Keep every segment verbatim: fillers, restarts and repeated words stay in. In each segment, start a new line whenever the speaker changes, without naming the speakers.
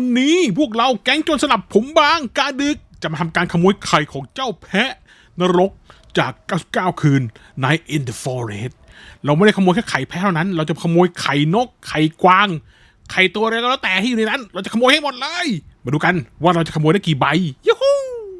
นี้พวกเราแก๊งโจรสลัดผมบางกาดึกจะมาทำการขโมยไข่ของเจ้าแพะนรกจากเก้าสิบเก้าคืน Night in the Forest เราไม่ได้ขโมยแค่ไข่แพะเท่านั้นเราจะขโมยไข่นกไข่กวางไข่ตัวอะไรก็แล้วแต่ที่อยู่ในนั้นเราจะขโมยให้หมดเลยมาดูกันว่าเราจะขโมยได้กี่ใบยูฮู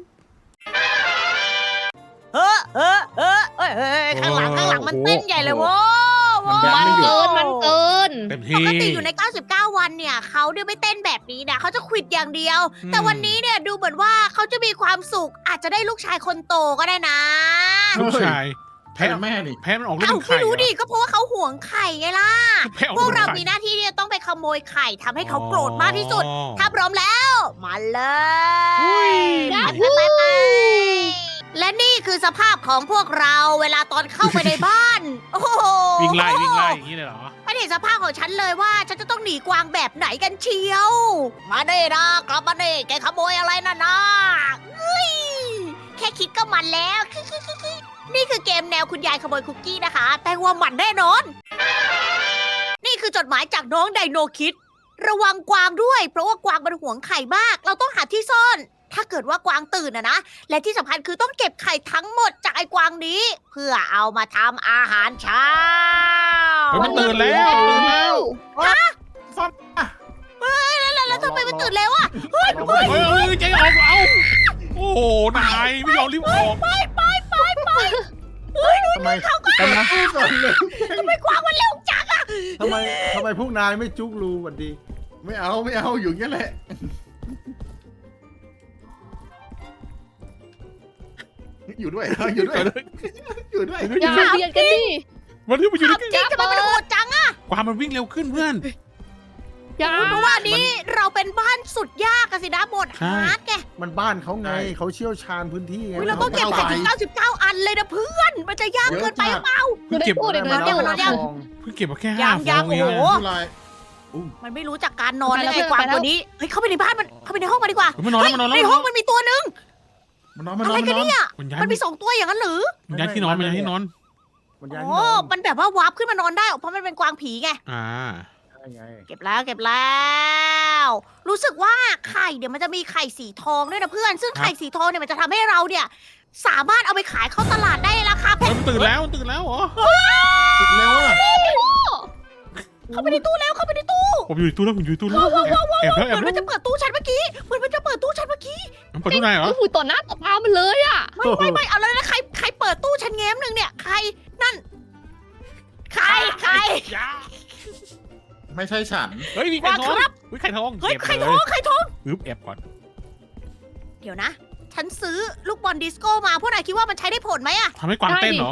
เฮ้อเฮ้อเฮ้อเฮ้ยเฮ้ยข้างหลังข้างหลังมันเต้นใหญ่เลยโว้
มัน
ย
เกินมันเกิน
เต็ม
ป
ที่
กติอยู่ในเก้าสิบเก้าวันเนี่ยเขาเนี่ยไม่เต้นแบบนี้นะเขาจะขวิดอย่างเดียว แต่วันนี้เนี่ยดูเหมือนว่าเขาจะมีความสุขอาจจะได้ลูกชายคนโตก็ได้นะ
ลูกชาย
แพ้แม่นี่
แพะมันออกลูก
เอ้า
เป็นไข่
ไม่รู้ดิ
เห
ก็เพราะว่าเขาห่วงไข่ไงล่ะ
รอแพะออก
พ
ลู
ว
ก
ก
เป็น
เรา
ไข่
มีหน้าที่ที่จะต้องไปขโมยไข่ทำให้เขาโกรธมากที่สุด ถ้าพร้อมแล้ว มาเลยไปไปไปและนี่คือสภาพของพวกเราเวลาตอนเข้าไปในบ้าน โอ้โห
วิ่งไล่วิ่งไล่อย่างนี้เลยเหรอ
ไม่เห็นสภาพของฉันเลยว่าฉันจะต้องหนีกวางแบบไหนกันเชียว มาเด้นะกลับมาเด้แกขโมยอะไรน่ะนะเฮ้ยแค่คิดก็มันแล้ว นี่คือเกมแนวคุณยายขโมยคุกกี้นะคะ แต่ว่ามันแน่นอน นี่คือจดหมายจากน้องไดโนคิด ระวังกวางด้วย เพราะว่ากวางมันหวงไข่มาก เราต้องหาที่ซ่อน ถ้าเกิดว่ากวางตื่นอะนะ และที่สำคัญคือต้องเก็บไข่ทั้งหมดจากไอ้กวางนี้ เพื่อเอามาทำอาหารเช้า
เฮ้ยมันตื่นแล้วตื่นแล้ว
ซ่อนอ่ะ
แล้วแล้วทำไมมันตื่นแล้วอะเฮ้ย
เอา
เฮ้ย
เฮ้ยเฮ้ยใจออกเอาโอ้โหนายไม่ยอมรีบออก
ไปไปไปไปเฮ้ยดู
ทำไม
เขาก็
ทำไม
ทำไมกวางมันเร็วจังอะ
ทำไมทำไมพวกนายไม่จุกรูกันดี
ไม่เอาไม่เอาอยู่อย่างนี้แหละ อยู่ด้วยอยู่ด้วยอยู่ด้วย
อย่าเบียดกันดิ
มันที่มันอยู่
ถาม
ใน
จริงทำไมมันโหดจังอะ
กวางมันวิ่งเร็วขึ้นเพื่อน
อย่า
เพราะว่านี้เราเป็นบ้านสุดยากอะสินะบท
ใช่
ฮาร์ดไง
มันบ้านเขาไงเขาเชี่ยวชาญพื้นที่ไง
อุ๊ยเราต้องเก็บไข่ถึงเก้าสิบเก้าอันเลยนะเพื่อน มันจะยากเกินไปหรือเปล่า
เพิ่งเก็บ
พูดอีก
มา
แล้ว
แล้ว
เนี่ย
นะฟอง
เพิ่งเก็บมาแค่ห้า
ยัง
ฟ
ยั
อง งเอง
โอ้โห
อะ
อะไร
มันไม่รู้จักการนอนเลย
ไปแล้ว
ไอ้กวาง
ไปแล้ว
ตัวนี้ เฮ้ยเข้าไปในบ้านมัน เข้าไปในห้องมาดีกว่า
เฮ้ยมันนอนแล้วมันนอนแล้ว
ในห้องมันมีตัวหนึง
มันนอนมันน
อะ
อน
ไร
มัน
กัน
นอน
เนี่ย
มันย้าย
มันมีสองตัวอย่างนั้นหรือ
มันย้ายที่นอนมันย้ายที่นอน
มันย้าย
โอ้
ที่นอน
มันแบบว่าวาร์ปขึ้นมานอนได้ เพราะมันเป็นกวางผีไง
อ่า
ใช่ไง
เก็บแล้วเก็บแล้ว รู้สึกว่าไข่เดี๋ยวมันจะมีไข่สีทองด้วยนะเพื่อน ซึ่ง
ครับ
ไข่สีทองเนี่ยมันจะทำให้เราเนี่ย สามารถเอาไปขายเข้าตลาดได้ราคาแพ
เฮ้ย
ง
มันตื่นแล้วมันตื่นแล้วเหรอ
ติดแล้วอ่ะ
เข้าไปในตู้แล้วเข้าไปในตู้
ผมอยู่ในตู้แล้วผมอยู่ในตู้แล้วแอบแอบแล้วแอ
เห
บ
มือน
แล้
มันจะเปิดตู้ฉันเมื่อกี้เหมือนมันจะเปิดตู้ฉันเมื่อกี้
มันเปิดตู้ไหนเหรอ
โอ้โหต่อหน้าต่อตามันเลยอ่ะ
ไม่ไม่ไม่เอาเลยนะใครใครเปิดตู้ฉันแง้มหนึ่งเนี่ยใครนั่น ใครใคร
ยา
ไม่ใช่ฉัน
เฮ้ยมีไข่ทอง
วางครับ
เฮ้ยไข่ทอง
เฮ้ย
ก็บ
ใคร
ล
ท้องใครท้อง
อึ๊บแอบก่อน
เดี๋ยวนะ ฉันซื้อลูกบอลดิสโก้มาพวกนายคิดว่ามันใช้ได้ผลไหมอะ
ทำให้กวางเต้นเหรอ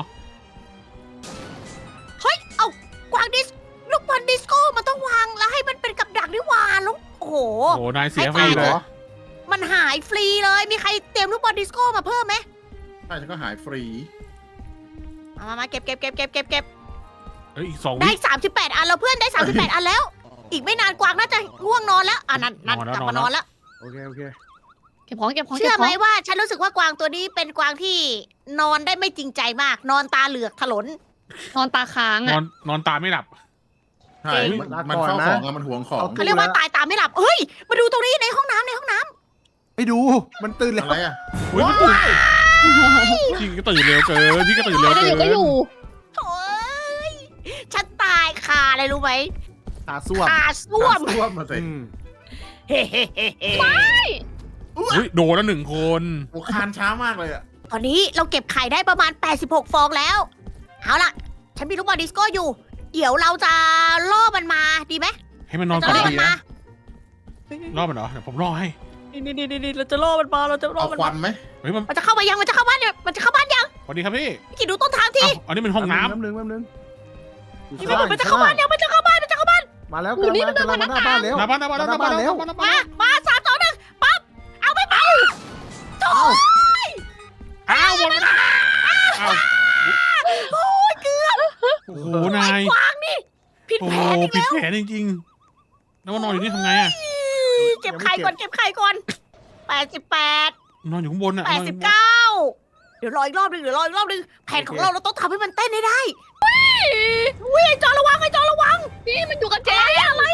เฮ้ยเอากวางดิสลูกบอลดิสโก้มันต้องวางแล้วให้มันเป็นกับดักด้วยวานแล้วโอ้โห
โอ้โหนายเสีย
ให้
ฟรี
ตาย
เลย
มันหายฟรีเลยมีใครเตรียมลูกบอลดิสโก้มาเพิ่มไหม
ใช่ฉันก็หายฟรี
มามามาเก็บเก็บเก็บเก็บเก็บเก็บ
เฮ้ยอีกสอง
ได้
วิ
สามสิบแปดอันแล้วเพื่อนได้สามสิบแปดอันแล้ว อีกไม่นานกวางน่าจะง่วงนอนแล้วอ่ะนั่นนั่น
นอนแล้ว
กลับมาน
น
อ
อน นแล้
แล้ว
ว
โอเคโอเค
เก็บของเก็บของ
เชื่
เก็
อบ
ข
ไหม
อง
ว่าฉันรู้สึกว่ากวางตัวนี้เป็นกวางที่นอนได้ไม่จริงใจมาก นอนตาเหลือกถลน
นอนตาค้าง
น
อ่ะ
อนนอนตาไม่หลับ
ใช่มันมันเฝ้าของอะมันหวงของ
เขาเรียกว่าตายตาไม่หลับเฮ้ยมาดูตรงนี้ในห้องน้ำในห้องน้ำ
ไปดูมันตื่นแล้
อะ
ว
ไรอ่ะ
อุ้ยมันตื่นพี่ก็ตื่นเร็วเกินพี่ก็ตื่นเร็ว
ไม่ได้
เกิ
อยู่ก็อยู่
โถ่เอ้ยฉันตายคาอะไรรู้ไหม
ตาส้วม
คาส้วม
ส้วมมาสิ
อืม
เฮ้เฮ้เฮ้เฮ้
อุ้ยโดนแล้วหนึ่งคน
โอ้คานช้ามากเลยอ่ะ
ตอนนี้เราเก็บไข่ได้ประมาณแปดสิบหกฟองแล้วเอาล่ะ ฉันมีลูกบอลดิสโก้อยู่ เดี๋ยวเราจะล่อมันมาดีไหม
ให้มันนอน
จะ
ก่อน
ล่อมัน
ดี
มา
นะรอบมันเหรอเดี๋ยวผมรอให้
นี่นี่นี่นี่เราจะล่อมันมาเราจะล่อ
เอา
มัน
ควั
มาน
ไหม
เฮ้ยมัน
มันจะเข้ามายังมันจะเข้าบ้านเนี่ยมันจะเข้าบ้านยัง
สวัสดีครับพี่
พี่กิดดูต้นทางที
อ้าวอันนี้เป็นห้องน้ำ
แป๊บนึงแป๊บนึงอยู่
นี่
ข้าง
มัน
ล่าง
มันจะเข้าบ้านยังมันจะเข้าบ้านมันจะเข้าบ้าน
มาแล้วกำลังมากำลังมาหน้าบ้านแล้ว
หน้าบ้านหน้าบ้านหน้าบ้านหน้าบ้านหน้าบ้านหน้าบ้าน
มามาสามสองหนึ่งปั๊บเอาไปไปโถ่
อ้าวหมดเวลาอ้าว
โอ้ยเกือบ
โอ้โหนาย
กวางนี่ผิด
โอ้
แผ
โห
นอีก
ผิด
แล้ว
แผนจริงๆแล้วมานอนอยู่นี่ทำไงอะ
เก็บไข่ก่อนเก็บไข่ก่อนแปดสิบแปด
นอนอยู่ข้างบนอะ
แปดสิบเก้าเดี๋ยวรออีกรอบหนึงเดี๋ยวรออีกรอบหนึงแผนของเราเราต้องทำให้มันเต้นให้ได้วิ่งไอ้จอระวังไอ้จอระวัง
นี่มันอยู่กับเจ๊
อะไรอะอะไรอะ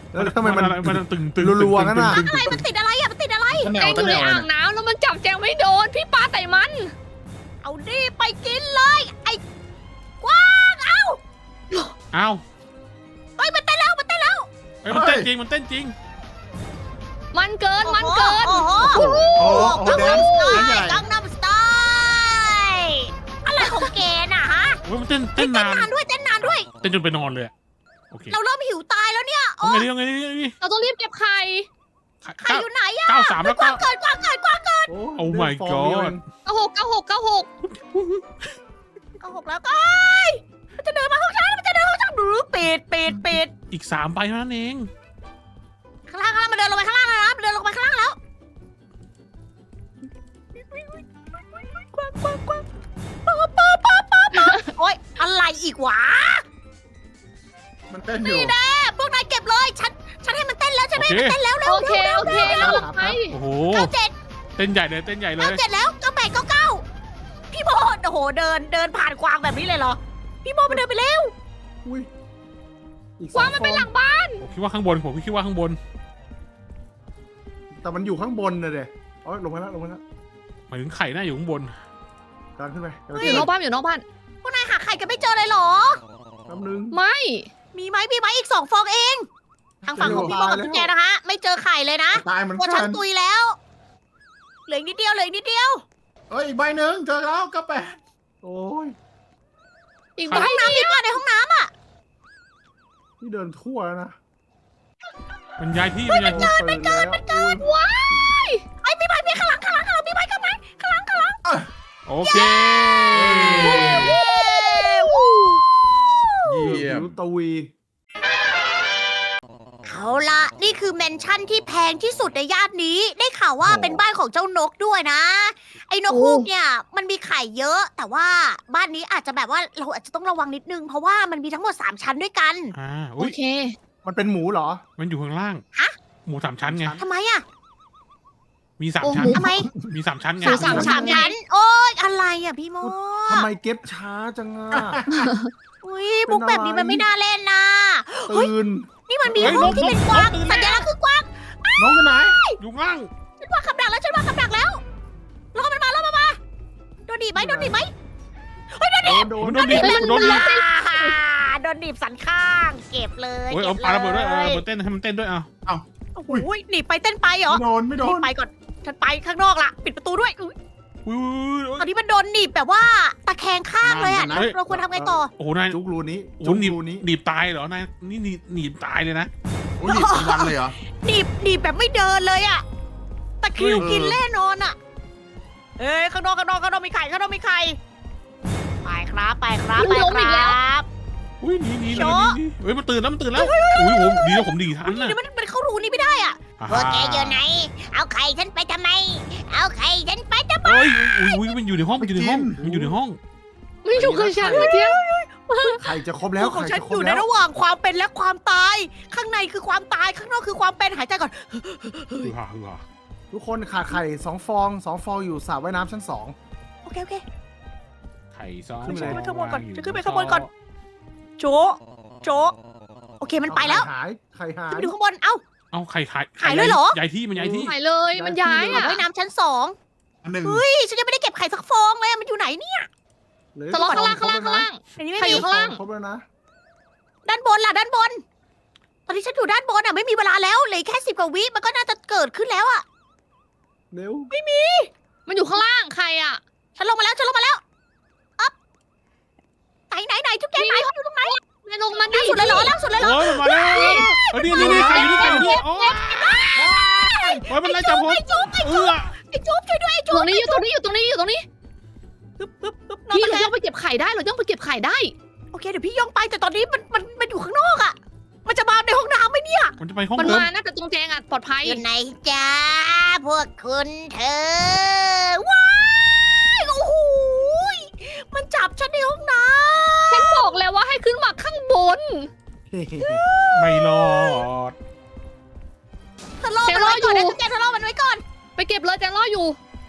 แล้วทำไมมัน
อะไรมันตึงตึง
รัวๆงั้นน่ะ
ตึงตึง
อะไรมันติดอะไรอ่ะมันติดอะไร
ถ้าแม
แจ
ว
งอ
ถ้า
ยู่
แม
ใน
ว
อ่าง
นะ
น้ำแล้วมันจับแจงไม่โดน พี่ปาใส่มัน
เอาดิไปกินเลยไอ้กว้างเอ้า
เอ้า
เฮ้ยมันเต้นแล้วมันเต้นแล้ว
เอ้ยมันเต้นจริงมันเต้นจริง
มันเกิน มันเกิน
โอ้โห
โอ้โห
โอ้โห
โอ้โห
กัง
แด
นั
น
มสไต
แดนใหญ่
ล์กังนัมสไตล์อะไรของแกน่ะฮะ
เฮ้ยมันเต้น
เต้
เต้
น
นนาน
นานด้วยเต้นนานด้วย
เต้นจนไปนอนเลยอะโอเค
เราเริ่มหิวตายแล้วเนี่ย
เอา
โอ้
ไงดีเอาไงดีเอาไงดี
เราต้องรีบเก็บไข่
ใคร
เก้า
อยู่ไหนอะ
เก้าสามแล้ว
ก
ก็
ว้างเกินกว้างเกินกว้างเกิน
โอ้
Oh my
เดินฟอร์มเดียว
god
เอง
เก้าหกเก้าหกเก้าหก
ก็หกแล้วก็มันจะเดินมาห้องฉันมันจะเดินห้องฉันหรือปิดปิดปิด
อีกสามใบเท่านั้นเอง
ข้างล่างข้างล่างมันเดินลงไปข้างล่างแล้วนะมันเดินลงไปข้างล่างแล้วกว้างกว้างกว้างป๊าป๊าป๊าป๊าป๊าโอ๊ยอะไรอีกวะ
มันเต้นอยู่
นี่แน่พวกนายเก็บเลยฉันฉันให้มันเต้นแล้วใช่ไหม
โอเค
มันเต้นแล้วเร็ว
โอเค
เร็ว
โอเค
เร็ว
เราหลับไป
โอ้โห
เก้าเจ็ด
เต้นใหญ่เลยเต้นใหญ่เล
เก้าย เจ็ดแล้วเก้าแปดเก้าเก้าพี่โมโอ้โหเดินเดินผ่านกวางแบบนี้เลยเหรอพี่โมมันเดินไปเร็ว
อุ้ยอีกส
ก
อ
วาง
ง
มัน
ฟ
ไป
อง
หลังบ้าน
ผมคิดว่าข้างบนผมคิดว่าข้างบน
แต่มันอยู่ข้างบนเลยเด็อ๋อลงมาแล้วลงมาแล้ว
หมายถึงไข่น่าอยู่ข้างบน
การขึ้นไปเดี๋ยว
อยู่นอกบ้านอยู่นอกบ้าน
พวกนายหาไข่กันไม่เจอเลยเหรอ
แป๊บนึง
ไม่
มีไหมมีไหมอีกสองฟองเอง ทางฝั่งของพี่โมกับ
ตายแล้ว
จุ๊บแจนะฮะ ไม่เจอไข่เลยนะ
ตายเหมือน
ตัว
กั
ฉัน
น
ตุยแล้ว เหลืออีกนิดเดียวเหลืออีกนิดเดียว
เอ้ยอีกใบหนึ่งเจอแล้วก็แปด
โอ้ย
อีก
ใน
ใบ
ห้องน้ำมีป่ะในห้องน้ำอ่ะ
นี่เดินทั่วแล้วนะ
มันย้ายที่มันย้ายที่
มันเกินมันเกิน
ว้าย
ไอ้ยมีใบมีข้างหลังข้างหลังข้างหลังมีใบข้างหลังข้างหลังข้างหลัง
โอเค
วู้
เยี่ยม
รู้ตวี
เอาละนี่คือแมนชั่นที่แพงที่สุดในย่านนี้ ได้ข่าวว่าเป็นบ้านของเจ้านกด้วยนะ ไอ้นกฮูกเนี่ยมันมีไข่เยอะ แต่ว่าบ้านนี้อาจจะแบบว่าเราอาจจะต้องระวังนิดนึง เพราะว่ามันมีทั้งหมดสามชั้นด้วยกัน
อ่า
โอ
อุ้ย
เค
มันเป็นหมูเหรอ
มันอยู่ข้างล่าง
ฮะ
หมูสามชั้นไง
ทำไมอ่ะ
มีสาม
โอ้โห
ชั้น
ทำไม
มีสามชั้นไง
หมูสามชั้น
ชั้น โอ๊ยอะไรอ่ะพี่โม
ทำไมเก็บช้าจังอ่ะ
อุ้ยมุกแบบนี้มันไม่น่าเล่นนะ
ตื่น
นี่มันมีห้องที่เป็นกวางสัญลักษณ์คือกวาง
น้องอยู่ไหน
อยู่ข้างล่าง
ฉันวางคำดักแล้วฉันวางคำดักแล้วรอมันมาแล้วมามาโดนดีบไหมโดนดีบไหม
โดน
มัน
โด
โด
น
นดิบมันโดนดิบ
อ่าโดนดีบสันข้าง เก็บเลย
โอ้ย
เก็
เอา
บ
ปาระเบิดด้วยเออ
เลย
ระเบิดเต้นให้มันเต้นด้วยเอา
โอ้โหหนีบไปเต้นไปเหรอ
ไม่โดนไม่โด
หนี
น
บไปก่อนฉันไปข้างนอกละปิดประตูด้วยอุ๊ย
อุ้ยอุ้ย
ตอนนี้มันโดนหนีบแบบว่าตะแคงข้างเลยอ่ะ
นั่นนะ
เราควรทำไงต่อ
โอ้โหนาย
จุกรูนี้
โอ้โห
จุก
หนีบ
รูนี้
หนีบตายเหรอนายนี่หนีบหนีบตายเลยนะ
โอ้ยหนีบเป็นวันเลยเหรอ
หนีบหนีบแบบไม่เดินเลยอ่ะตะคริว
เออ
กินแน่นอนอ่ะเอ้ยข้างนอกข้างนอกข้างนอกมีไข่ข้างนอกมีไข่ไปครับไปครับไป
ล้มอีก
ค
แล้
รั
ว
บ
อุ้ยหนีหนีห
โช
นี
ว์
หนีเฮ้ยมันตื่นแล้วมันตื่นแล้วอุ้ยผมดีแล้วผมดีทัน
อุ๊ย
นะ
เดี๋ยวมันมันเข้ารูนี้ไม่ได้อ่ะ พวกแกอยู่ไหน เอาไข่ฉันไปทำไม เอาไข่ฉันไปทำไม
เฮ้ยอุ้ยอุ้ยมันอยู่ในห้องมันอยู่ในห้องมันอยู่ในห้อง
ไม่อยู่กับฉันเมื่อกี้
ไข่จะครบแล้ว
ของ
ไข่
ฉัน
จะค
อ
รบ
ยู่ใน
แล้ว
ระหว่างความเป็นและความตาย ข้างในคือความตาย ข้างนอกคือความเป็น หายใจก่อน
ฮือฮาฮือฮา
ทุกคนขาดไข่สองฟองสองฟองอยู่สระว่ายน้ำชั้นสอง
โอเค โอเค
ไข่ซอง
ขึ้นไปเลย
ข้างบนก่อน
วยู่
จะขึ้นไปข้างบนก่อน โจะโจะโอเค มันไปแล้ว
หายไข่หาย
ขึ้นไปดูข้างบน เอ้า
เอาไข่ไข่
หายเลยเหรอ
ย้ายที่มันย้ายที่
หายเลยมันย้ายอ่ะ
ว่ายน้ำชั้นสอง
อันหนึ่ง
เฮ้ย ฉันยังไม่ได้เก็บไข่สักฟองเลยอะมันอยู่ไหนเนี่ย
เหลือ
ทะเลาะข้างล่างข้างล่างข้างล่าง
ในนี้ไม่
ไข่อ
มี
ยู่ข้างล่าง
ครบแล้วนะ
ด้านบนล่ะ ด้านบน ตอนนี้ฉันอยู่ด้านบนอ่ะ ไม่มีเวลาแล้วเหลือแค่สิบกว่าวิ มันก็น่าจะเกิดขึ้นแล้วอ่ะ
เร็ว
มันอยู่ข้างล่างใครอ่ะ
ฉันลงมาแล้ว ฉันลงมาแล้วอ๊อบไหนไหนไหนจุ๊บแกไหนอยู่ตรงไหน
นายลงมาดิ
ล่างสุดเลยเหรอล่างสุดเลยเหรอ
โอ้ยมันมาแล้วเออนี่นี่นี่ไข่อยู่นี่ไข่อยู่นี่โอ้ยโอ้ยมันไล่จับผม
ไอ้จุ๊บไอ้
เอ
จุ๊บ
อ
ไอ้จุ๊บช่วยด้วยไอ้
อ
จุ๊
ยู่
บ
ตรงนี้อยู่ตรงนี้อยู่ตรงนี้อยู่ตรงนี้
ปึ๊บปึ๊บปึ๊บนอน
พี่
ตะ
เรา
แค
ย่อง งไปเก็บไข่ได้เราย่องไปเก็บไข่ได้
โอเคเดี๋ยวพี่ย่องไปแต่ตอนนี้มันมันมันอยู่ข้างนอกอ่ะ มันจะมาในห้องน้ำไหมเนี่ย
มันจะไปห้อง
มัน
เดิม
มานะแต่ตรงแจงอ่ะปลอดภัย
อยู่ไหนจ้าพวกคุณเธอว้ายโอ้โหยมันจับฉันในห้องน้
ฉันบอกแล้วว่าให้ขึ้นมาข้างบน
ไม่รอด
ำเธอล่อมันไว้ก่อนนะจุ๊บแกเธอล่อมันไว้ก่อน
ไปเก็บเลยแจงรออยู่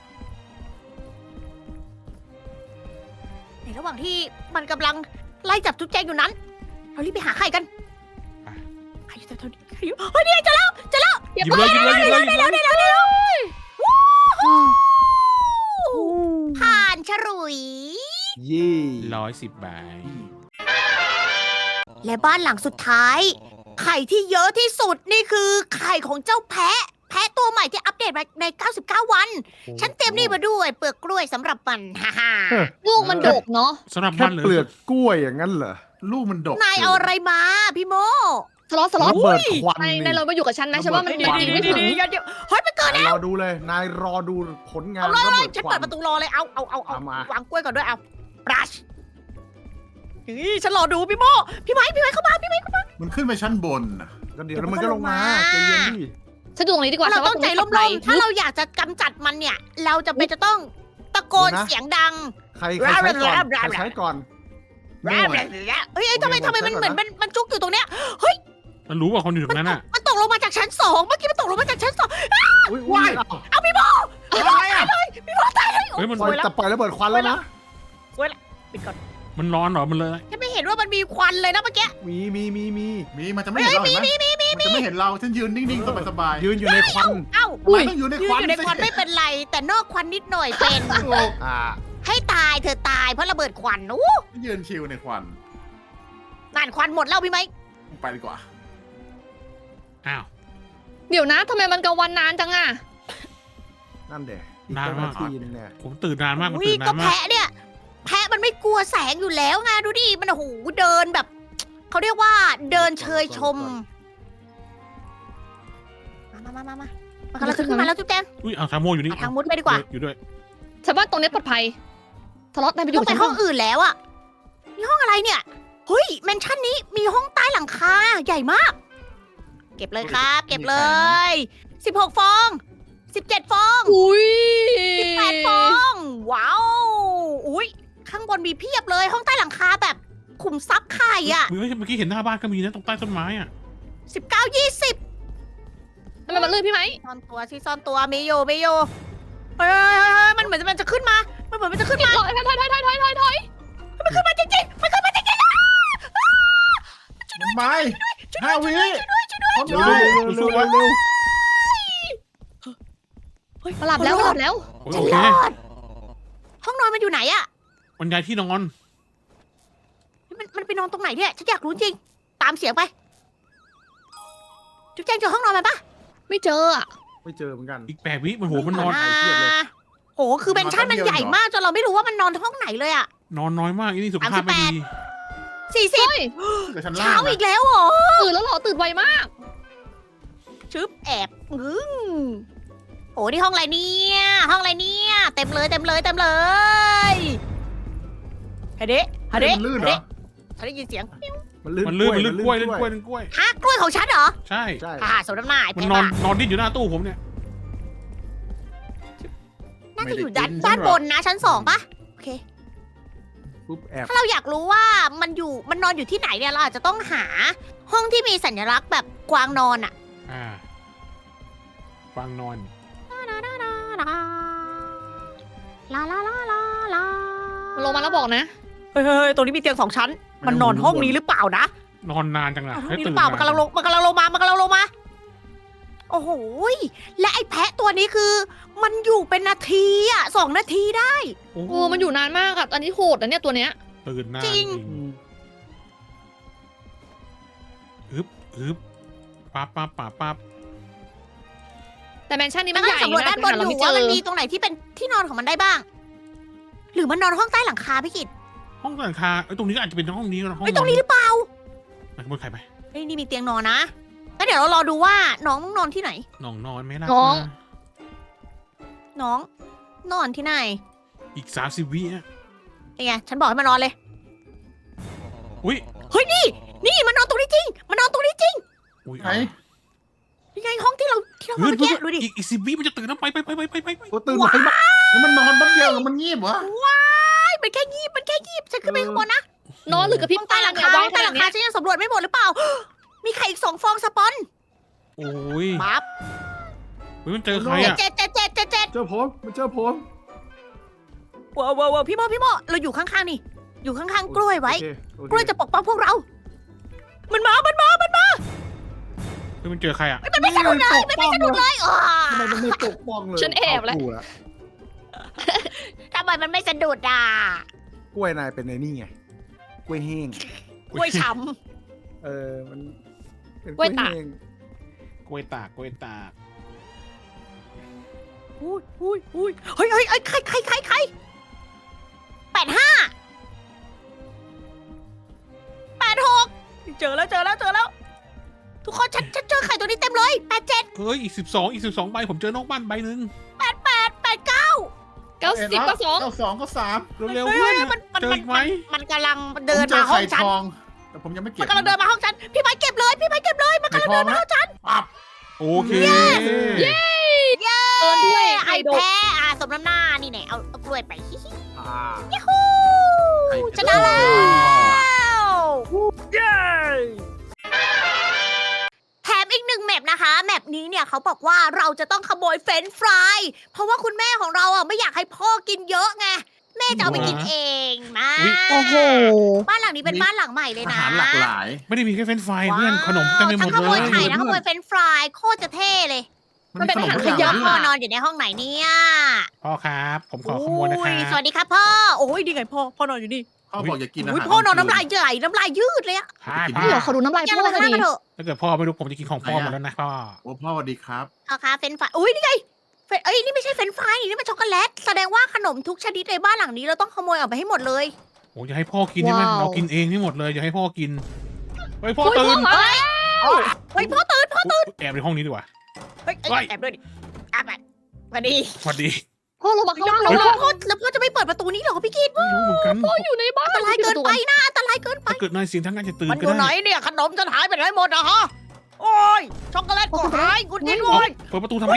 ในระหว่างที่มันกำลังไล่จับจุ๊บแจงอยู่นั้น เรารีบไปหาไข่กันไข่อยู่เท่านี้เฮ้ยนี่เจอแล้วเจอแล้ว
หยิบเลยหยิบเลยหยิบเลยหยิบเลย
ได้แล้วได้แล้ววู้ฮู้ผ่านฉลุย
ยี่
ร้อยสิบใบ
และบ้านหลังสุดท้าย ไข่ที่เยอะที่สุดนี่คือไข่ของเจ้าแพะ แพะตัวใหม่ที่อัปเดตมาใน เก้าสิบเก้า วัน ฉันเตรียมนี่มาด้วยเปลือกกล้วยสำหรับมัน ฮ่าฮ่า
ลูกมันดกเนาะ
สำหรับ
แค่
มันเลย
เปลือกกล้วยอย่างนั้นเหรอ
ลูกมันดก
นายเอาอะไรมาพี่โม
สล็อตสล็อต
ระเบิดควัน
ใน
นี่
ในเรามาอยู่กับฉันนะฉันว่ามัน
ระเบิด
ดี
ควัน
ไม่ถึง
เดี๋ยวเดี๋ยวเฮ้ยมันเกิด
นายรอดูเลย นายรอดูผลงาน
เอาเลย
ระเบิด
ฉัน
ควั
เปิด
น
ประตูรอเลย เอาเอาเอาเอา
เอามา
วางกล้วยก่อนด้วย เอาบรัชนี่ฉันรอดูพี่โมพี่ไม้พี่ไม้เข้ามาพี่ไม้เข้ามา
มันขึ้นไปชั้นบนน่ะ
ก็เดี๋ยวมันก็ลงมาใจเย็นดิ
ฉันดูตรงนี้ดีกว่า
เรา
ฉันว่
ต้องใจ
ร
ร่
ง
ม
นี้
ๆ ถ้าเราอยากจะกำจัดมันเนี่ย เราจะเป็นจะต้องตะโกนเสียงดัง
ใครใครใช้ก่อนใครใช้ก่อน
แร่แร่แร่เฮ้ยเฮ้ยทำไมทำไมมันเหมือนมันมันจุกอยู่ตรงเนี้ย เฮ้ย
มันรู้ว่าคนอยู่ตรงนั้นอ่ะ
มันตกลงมาจากชั้นสองเมื่อกี้มันตกลงมาจากชั้นสอง
อุ้ยอุ้ยอ้าว
เอาพี่โม
อะไรอ่ะ
พี่โมตายเลย
เฮ้ยมัน
ปล่อยแต่ปล่อยระเบิดควันแล้วนะ
ปิดก่อน
มันร้อนเหรอมันเลย
ฉันไม่เห็นว่ามันมีควันเลยนะเมื่อกี้
มีมีมีมี
มีมันจะไม่เห็นเราเห็นไหมมันจะไม่เห็นเราฉันยืนนิ่งๆสบายๆ
ยืนอยู่ในควัน
เอ้า
ทำไมต้องอยู่ใน
ยื
คน วัน
อยู่ในควัน
สิ
ไม่เป็นไร แต่นอกควันนิดหน่อยเป็น
อ่า
ให้ตายเธอตายเพราะระเบิดควันอู้
ยืนชิวในควัน
นั่นควันหมดแล้วพี่ไหม
ไปดีกว่า
อ้าว
เดี๋ยวนะทำไมมันกลางวันนานจังอะ
นั่นเด็ก
นานมาก
ทีนึงเนี่ย
ผมตื่นนานมากมัน
อุ้ย
ตื่นนา
ก็
นมาก
แพะเนี่ย แพะมันไม่กลัวแสงอยู่แล้วไงดูดิ มันโอ้โหเดินแบบ เขาเรียกว่าเดินเชยชม มามามามามามันกำลังจะขึ้นมาแล้วจุ๊บแจง
อุ้ยเอาทามโมอยู่นี่
หาทางมุดไปดีกว่า
อยู่ด้วย
ฉันว่าตรงนี้ปลอดภัยสล็อตนายไปอ
ต้
ยู่
องไป
กับฉัน
ห้องอื่นแล้วอะนี่ห้องอะไรเนี่ย เฮ้ยแมนชั่นนี้มีห้องใต้หลังคาใหญ่มาก เก็บเลยครับ เก็บเลย สิบหกฟอง สิบเจ็ดฟอง
อุ้ย
สิบแปดฟอง ว้าว อุ้ยข้างบนมีเพียบเลย ห้องใต้หลังคาแบบขุมทรัพย์ไข่อะ
เมื่อกี้เห็นหน้าบ้านก็มีนะตรงใต้ต้นไม้อ่ะ
สิบเก้ายี่สิบ
ทำไมมันลื่นพี่ไหม
ซ่อนตัวสิซ่อนตัวมีอยู่มีอยู่เฮ้ยเฮ้ยเฮ้ยเฮ้ยมันเหมือนมันจะขึ้นมา มันเหมือนมันจะขึ้นมา
ถอยถอยถอยถอยถอยถอยถอยถอย
มันขึ้นมาจริงๆ มันขึ้นมาจริงๆนะ
ไม่ห้าวิ
เร็วเร็วเร็วเร็วเร็ว
มาหลับแล้วมาหลับแล้ว
โอ
ฉัน
เค
รอด ห้องนอนมันอยู่ไหนอะ
มันย้ายที่นอน
มันมันไปนอนตรงไหนเนี่ยฉันอยากรู้จริง ตามเสียงไป จุ๊บแจงเจอห้องนอนมันปะ
ไม่เจออะ
ไม่เจอเหมือนกัน
อีกแปดวิมันโหมันนอน
ไข่เทียบเลย
โหคือเบนชั่นมันใหญ่มากจนเราไม่รู้ว่ามันนอนห้องไหนเลยอะ
นอนน้อยมากอีนี่สุขภาพไม่ดี
สี่สิบ
เฮ้ย
เดี๋ยวฉันล่า
เช้าง อี
นะ
กแล้วเหรอ
ตื่นแล้วเหรอตื่นไวมาก
ชึบแอบงึ้งโอ้นี่ห้องอะไรเนี่ยห้องอะไรเนี่ยเต็มเลยเต็มเลยเต็มเลยเฮ้ยเด็เฮ้ยเด็
มันลื่นเหรอ
ฉันได้ยินเสียง
มันลื่น
มันลื่นมันลื่นกล้วยลื่นกล้วยลื่นกล้วย
ฮะกล้วยของฉันเหรอ
ใช่
ใช่
อ่าสมน้ำหน้าไอ้
มัน
แพ้
นอน
บ้าน
อนดิ้นอยู่หน้าตู้ผมเนี่ย
น่าจะอยู่ด้านด้านบนนะชั้นสองปะโอเค
ปุ๊บแอบ
ถ้าเราอยากรู้ว่ามันอยู่มันนอนอยู่ที่ไหนเนี่ยเราอาจจะต้องหาห้องที่มีสัญลักษณ์แบบกวางนอนอะ
อ่าฟังนอน
ลาลาลาลาลา
มันลงมาแล้วบอกนะ
เฮ้ยเฮ้ยตรงนี้มีเตียงสองชั้น มันนอนห้องนี้หรือเปล่านะ
นอนนานจังอะ
นอนห้อง
ให้
นี้ห
ตื่
รื
น
อเปล่ามันกำลังลงมันกำลังลงมามันกำลังลงมา โอ้โหยและไอ้แพะตัวนี้คือ มันอยู่เป็นนาทีอะสองนาทีได้
โอ้
โอ้มันอยู่นานมากอะอันนี้โหดนะเนี่ยตัวเนี้ย
ตื่นนาน
จริง
อืม
อึบอึบปั๊บปั๊บปั๊บปั๊บ
แต่แมนชั่นนี้
มั
มัน นใหญ่
สำรวจ
นะ
ด้านบน
แต่
อ
เรา
ยู่
ไม่เจ
ว่า
อ
มันมีตรงไหนที่เป็นที่นอนของมันได้บ้าง หรือมันนอนห้องใต้หลังคาพี่กิต
ห้องหลังคาไอ้ยตรงนี้ก็อาจจะเป็นห้องนี้ก็ห้อง
ไอ้ยตรงนี้หรือเปล่า
ไปขโมยใครไป
เฮ้ยนี่มีเตียงนอนนะแล้วเดี๋ยวเรารอดูว่าน้องนอนที่ไหน
น้องนอนไหมล่ะ
น้อง
น้อง นอนที่ไหน
อีกสามสิบวิอ่ะ
นี่ไงฉันบอกให้มันนอนเลย
อุ้ย
เฮ้ยนี่ นี่มันนอนตรงนี้จริง มันนอนตรงนี้จริง
อุ้ย
ไหน
นี่ไงห้องที่เราที่เรา
เฮ้
มาย เมื่อกี้ดูดิ
อีกอีกสิบวิมันจะตื่นแล้วไปไปไปไปไปไปไป
โอ้ตื่นไวมาก
แล้วมันนอนแป๊บเดียวมันงีบเหรอ
ว้ายมันแค่ยีบมันแค่ยีบฉันขึ้นไปข้างบนนะ
นอนหรือกระพริบ
ห้อง
ตา
ใต้หลัง
เนี่ย
คา
ไว
ห้อง
ข
ใต้ห
นา
ลั
ด
ง
เนี้
คาย ฉันยังสำรวจไม่หมดหรือเปล่า มีไข่อีกสองฟองสปอน
โอ้ย
ปั๊บ
เฮ้ยมันเจอใครอ่ะ
เจ็ดเจ็ดเจ็ดเจ็ดเจ็ด
เจอผมมันเจอผม
ว้าวว้าวว้าวพี่โมพี่โมเราอยู่ข้างๆนี่ อยู่ข้างๆกล้วยไว้
โอเคโอเค
กล้วยจะปกป้องพวกเรา มันมา มันมา มันมา
เฮ้ยมันเจอใครอ่ะ
มันไม่สนุกเลยมันไม่สนุกเลยอ๋อ
ทำไมมันไม่ตกป้องเลย
ฉันแอบแล้ว
เากูะ
ทำไมมันไม่สะดุดอ่ะ
กล้วยนายเป็นไอ้นี่ไงกล้วยแห้ง
กล้วยช้
เออมันเป็น
กล้วยตาก
แห้ง
กล้วยตากกล้วยตาก
ำอุ้ยอุ้ยอุ้ยเฮ้ยเฮ้ยเฮ้ยใครใครใครใครแปดห้าแปดหกเจอแล้วเจอแล้วเจอแล้ว ทุกคนฉันฉันเจอไข่ตัวนี้เต็มเลยแปดเจ็ด
เฮ้ยอีกสิบสองอีกสิบสองใบผมเจอนอกบ้านใบหนึ่ง
แปดแปดแปดเก้า
เก้าสิบก็สอง
เก้าสองก็สาม
เร็วๆ
เฮ้
เพื่
ย
อน
เฮ้ยมันมัน
เจอ
มัน
อีกไหม
มันกำลังเดิน
ผมเจ
มา
อ
ห้อ
ไข่
งฉัน
ทอง แต่ผมยังไม่เก็บ
มันกำลังเดินมาห้องฉันพี่ไม้เก็บเลยพี่ไม้เก็บเลยมัน
ไข่
กำลัง
ทอ
เดิ
ง
นมา
นะ
ห้องฉัน
ปั๊บ
โอเค
เย้
เกินด้วย
ไอ้
ไข่ดก
แพ้อ่ะสมน้ำหน้านี่ไหนเอาเอากล้วยไปฮิฮิ
อ่า
ยูฮูชนะแล้วเย้แถมอีกหนึ่งแมปนะคะ แมปนี้เนี่ยเขาบอกว่าเราจะต้องขโมยเฟรนช์ฟรายเพราะว่าคุณแม่ของเราอ่ะไม่อยากให้พ่อกินเยอะไงแม่จะเอาไปกินเองมา
โอ้โห
บ้านหลังนี้เป็นบ้านหลังใหม่เลย
อา
นะ
หารหลากหลาย
ไม่ได้มีแค่เฟรนช์ฟรายเพื่อนขนม
ว้าว
เต็มไปหมด
ทั้งขโม
เลย ย
ไข่ทั้งขโมยเฟรนช์ฟรายโคตรจะเท่เลย
มันเป็นอาหาร
ทุก
ข
อย่
ะ
ง
พ่อนอนอยู่ในห้องไหนเนี่ย
พ่อครับ ผมขอขโมยนะครั
โอ้
บ
สวัสดีครับพ่อ โอ้ยดีไงพ่อ พ่อนอนอยู่นี่
พ่อบอกอย่ากินอา
อุ้ย
หาร
พ่อนอนน้ำลายไหลน้ำลายยืดเลยอะ
ใช่
พี่เหรอขอดูน้ำลาย
อย่า
พ่
ล
อง
ข้าง
พอ
ล่าง
ดี
กันเถอะ
ถ้าเกิดพ่อไม่รู้ผมจะกินของพ่อหมดแล้วนะพ่อ
โอ้พ่อสวัสดีครับ
เอาค่ะเฟรนช์ฟรายอุ้ยนี่ไงเฟรนเอ้ยนี่ไม่ใช่เฟรนช์ฟรายนี่มันช็อกโกแลตแสดงว่าขนมทุกชนิดในบ้านหลังนี้เราต้องขโมยออกไปให้หมดเลย
โอ้ยจะให้พ่อกินใช่ไหมเรากินเองไม่หมดเลยจะให้พ่อกินเฮ้ยพ่อ
เฮ้ย
ตื่น
พ่อมา
เฮ้ยพ่อตื่นพ่อ
อุ๊ยแอบในห้องนี้ดีกว่า
เฮ้ยเอ้ย
เฮ้ย
แอบด้วยดิแอบไปสวัสดี
สวัสดี
พ่อลงมาข้างล่าง
แล้
แล้ว ว
พ่อแล้วพ่อจะไม่เปิดประตูนี้เหรอพี่กิ๊ด
ไม่รู้เหมือนกัน
พ่ออยู่ในบ้าน
อันตรายเกินไปนะอันตรายเกินไป
ถ้าเกิดนายเสียงทั้งงานจะตื่น
มันอ
ก็
ยู่ไหน
ได้
เนี่ยขนมฉันหายไปไหนหมดอะฮะ โอ้ยช็อกโกแลตก็หายกุดนิดโว้ย
เปิดประตูทำไม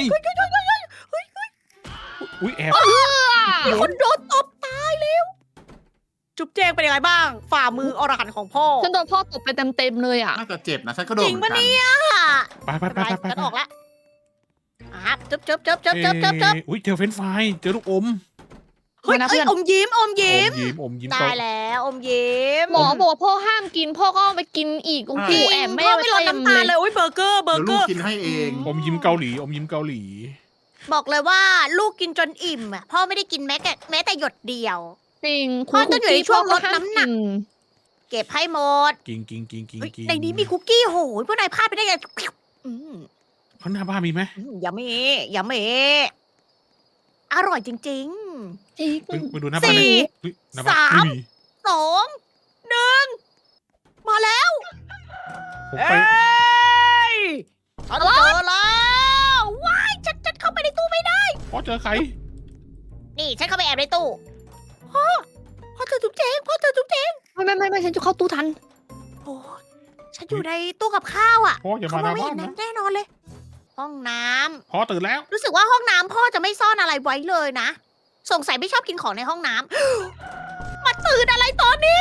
อุ้ยแอบ
มีคนโดนตบตายแล้ว จุ๊บแจงเป็นยังไงบ้าง ฝ่ามืออรหันต์ของพ่อ
ฉันโดนพ่อตบไปเต็มๆเลยอ่ะ
น่าจะเจ็บนะฉันก็โดน
จริง
เหมือ
ปะ
นกัน
เนี่ย
ไปไปไปไปไป
ฉันออกแล้วอ่ะจุ๊บจุ๊บจุ๊บจุ๊บจุ๊บจุ๊บ
เอ๊ะอุ้ยเจอเฟรนช์ฟรายเจอลูกอม
เฮ้ย
นะ
เอ้ย
เพื่อน
อมยิ้มอมยิ้ม
อมยิ้มอมยิ้ม
ได้
เขา
แล้วอมยิ้ม
หมอบอกว่าพ่อห้ามกิน พ่อก็เอาไปกินอีกโอ้โห
จริง
แอบแม่
พ่อ
ไว้
ไม่ลด
เต็ม
น้ำตาล
เล
เลย ยอุ้ยเบอร์เกอร์เบอ
เดี๋ยว
ร์เกอร์
ลูกกินให้เอง
อมยิ้มเกาหลีอมยิ้มเกาหลี
บอกเลยว่าลูกกินจนอิ่มอ่ะพ่อไม่ได้กินแม้แต่แม้แต่หยดเดียว
จริง
พ่อต้องอยู่ในช่วงลดน้ำหนัก
พ่อห้าม
เก็บให้หมด
กินกินกินกิน
เฮ้ย
กิน
ในนี้มีคุกกี้โหยพวกนายพลาดไปได้ไงอืม
ข้างหน้าบ้านมีไหม
อืมอย่าเมอย่าเมอร่อยจริง
จริง
ไปไปดูหน้าบ้านเลย
สี่
เฮ้ยหน้าบ้าน
สาม
ไม่มี
ๆสองหนึ่งมาแล้ว
ผมไป
ยฉันเจอแล้วว้ายฉันฉันเข้าไปในตู้ไม่ได้
พ่อเจอใคร
นี่ฉันเข้าไปแอบในตู้พ่อพ่อเจอจุ๊บเจงพ่อเจอจุ๊บเจง
ไม่ไม่ไม่ไม่ฉันจะเข้าตู้ทัน
โอ้ยฉันอยู่ในตู้กับข้าวอ่ะ
พ่ออย่า
เขา
มาห
มอง
น้า
ไม่
บ้า
เห็
น
น
นะ
แน่นอนเลย ห้องน้ำ
พ่อตื่นแล้ว
รู้สึกว่าห้องน้ำพ่อจะไม่ซ่อนอะไรไว้เลยนะ สงสัยไม่ชอบกินของในห้องน้ำ มาตื่นอะไรตอนนี้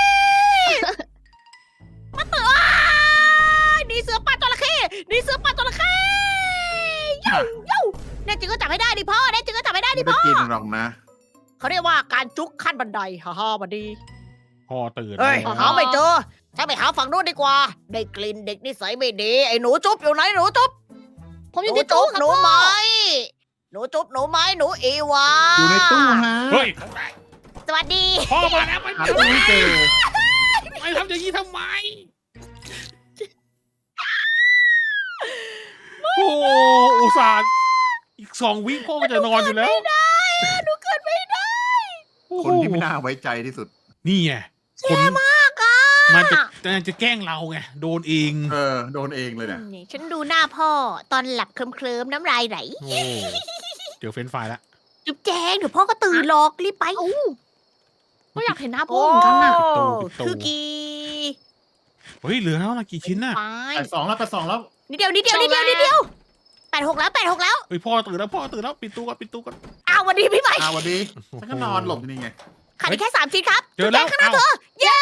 มาตื่นอ้ายหนี่เสือป่าจระเข้หนี่เสือป่าจระเข้เย้าเย้าแน่จริงก็จับไม่ได้ดิพ่อแน่จริงก็จับไม่ได้ดิ
ไม่ได้
พ่อ
กินหรอกนะ
เขาเรียกว่าการจุกขั้นบันไดฮ่าฮ่าบันดี
พ่อตื่น
เฮ้ย
แล้ว
หาไม่เจอฉันไปหาฝั่งนู้นดีกว่า ได้กลิ่นเด็กนิสัยไม่ดีไอ้หนูจุ๊บอยู่ไหนหนูจุ๊บ
ผมอ
ห
ยู่
นู
ที่
จุ๊
ตู้
บ
ครับ
หนู
พ่อ
ไหมหนูจุ๊บหนูไหมหนูอีวา
อยู่ในตู้ฮะ
เฮ้ย
สวัสดี
พ่อมาแล้วมัน
หาตู้ไม่เจอ
ไม่ทำอย่างนี้ทำไม โอ้อุตส่าห์อีกสองวิพ่อก็จะนอนอยู่แล้ว
ไม่ได้อะหนูเกิดไม่ได้
คนที่ไม่น่าไว้ใจที่สุด
นี่ไงคน
มากอ่ะ
มันจะมันจะแกล้งเราไงโดนเอง
เออ โดนเองเลยเนี่ย
นี่ฉันดูหน้าพ่อตอนหลับเคลิ้มๆน้ำลายไหล
โอ้เจอเฟรนช์ฟรายแล้ว
จุ๊บแจงเดี๋ยวพ่อก็ตื่นหรอกรีบไป
เอ้าก็อยากเห็นหน้าพ่อเหมือนกันน่ะ
โอ้
ปิดตู้
คือกี
เฮ้ยเหลือแล้วนะกี่ชิ้นน่ะ
ไป
แปดสองแล้วแปดสองแล้ว
นิดเดียวนิดเดียวนิดเดียวนิดเดียวแปดหกแล้วแปดหกแล้ว
เฮ้ยพ่อตื่นแล้วพ่อตื่นแล้วปิดตู้ก่อนปิดตู้ก่อน
อ้าววันดีพี่ใหม่
อ่าวันดีฉันก็นอนหลบอยู่นี่ไง
ขาดอีกแค่สามชิ้นครับ
เจอแล้ว
จุ๊บจงข้างหน้า
เอ้า
เธอเย้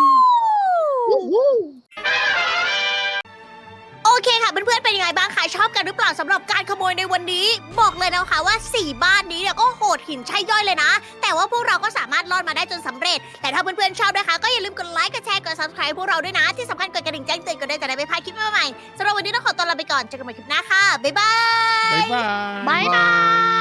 โอเคค่ะเพื่อนๆเป็นยังไงบ้างคะชอบกันหรือเปล่าสำหรับการขโมยในวันนี้ บอกเลยนะคะว่าสี่บ้านนี้เนี่ยก็โหดหินใช่ย่อยเลยนะ แต่ว่าพวกเราก็สามารถรอดมาได้จนสำเร็จ แต่ถ้าเพื่อนๆชอบนะคะก็อย่าลืมกดไลค์กดแชร์กด subscribe พวกเราด้วยนะ ที่สำคัญกดกระดิ่งแจ้งเตือนกันด้วยจะได้ไม่พลาดคลิปใหม่ๆสำหรับวันนี้ต้องขอตัวลาไปก่อนเจอกันใหม่คลิปหน้าค่ะบ๊ายบาย
บ๊ายบาย
บายบาย